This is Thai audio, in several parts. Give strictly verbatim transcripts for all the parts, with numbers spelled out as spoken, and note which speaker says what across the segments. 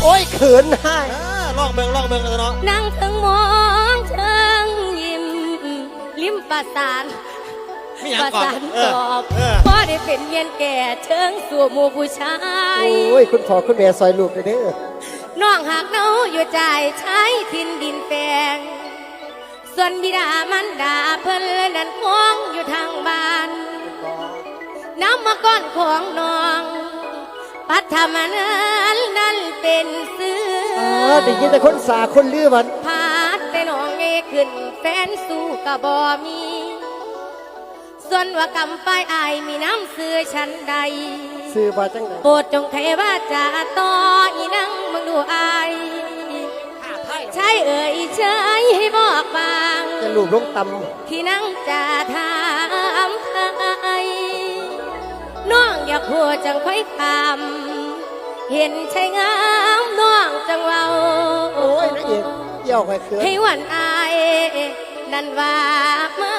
Speaker 1: อ้ยเขินให้
Speaker 2: ลองเบิ่งลองเบิ่งกันเนาะ
Speaker 3: นั่งถึงมองเชิงยิ้มลิ้มประสานประสานตอบพอได้เป็นเมียนแก่เชิงสู่หมู่ผู้ชาย
Speaker 1: โอ้ยคุณพ่อคุณแม่ซอยลูกเด้อ
Speaker 3: น้องหากเนาอยู่ใจใช้ทินดินแปลงส่วนบิดามันดาเพิ่นเลยนั่นคงอยู่ทางบ้านน้ำมาก้อนของน้องปัทมานั้นนั่นเป็นซื้อ
Speaker 1: อ๋อได้ยินแต่คนสาคนลือมัน
Speaker 3: พาดแต่น้องเอขึ้นแฟนสู้กะบ่มีส่วนว่ากำไปอายมีน้ำซื้อฉันใด
Speaker 1: ซื้อมาจังได
Speaker 3: โปรดจงเทว่าจะต่ออีนังมึงดูอายใช่เอ่ยใช่ให้บอกบาง
Speaker 1: จะลูบลงตำ
Speaker 3: ที่นั่งจะถามใครน้องอยากหัวจังค่อยคำเห็นใช่งามน้องจังเว้า
Speaker 1: โอ้ยนักเอกเกี่ยวไปเกิน
Speaker 3: ให้วันอายนั่นว่ามา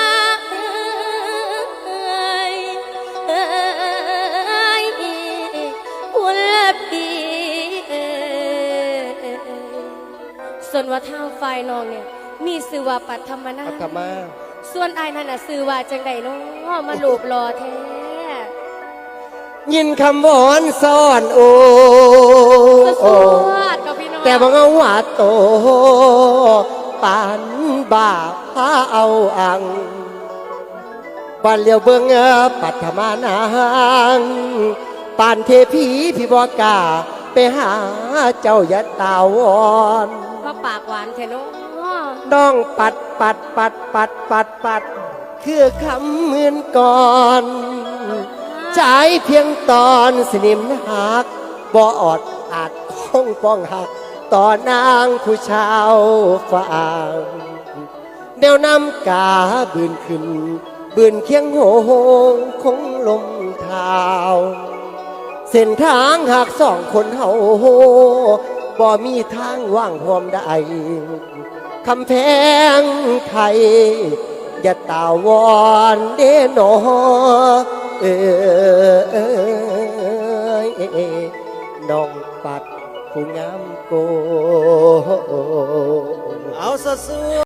Speaker 3: ส่วนว่าทางฝ่ายน้องเนี่ยมีสื่อว่าปัทมนา
Speaker 1: ปัทมา
Speaker 3: ส่วนอายนั่นน่ะสื่อว่าจังใดน้อมาลูบรอแท้
Speaker 1: ยินคำวอนซ่อนโอแต่บางเอาว่าโตปานบ่าพาเอาอังบ้านเลี้ยวเบิ่งปัทมานางปานเทพีพี่บอกกาไปหาเจ้ายัดตาวอน
Speaker 3: มาปากหวานแท้น้อ
Speaker 1: น้องปัดปัดปัดปัดปัดปัดคือคำเหมือนก่อนใจเพียงตอนสนิมหักบ่ออดอาจคงป้องหักต่อนางผู้ชาวฝ่างแนวน้ำกาบืนขึ้นบืนเคียงโหงคงลมเท้าเส้นทางหากสองคนเฮาบ่มีทางว่างพร้อมได้คำแพงไทยอย่าตาวอนเด้นอเออน้องปัดผู้งามโก
Speaker 2: เอาซะสู้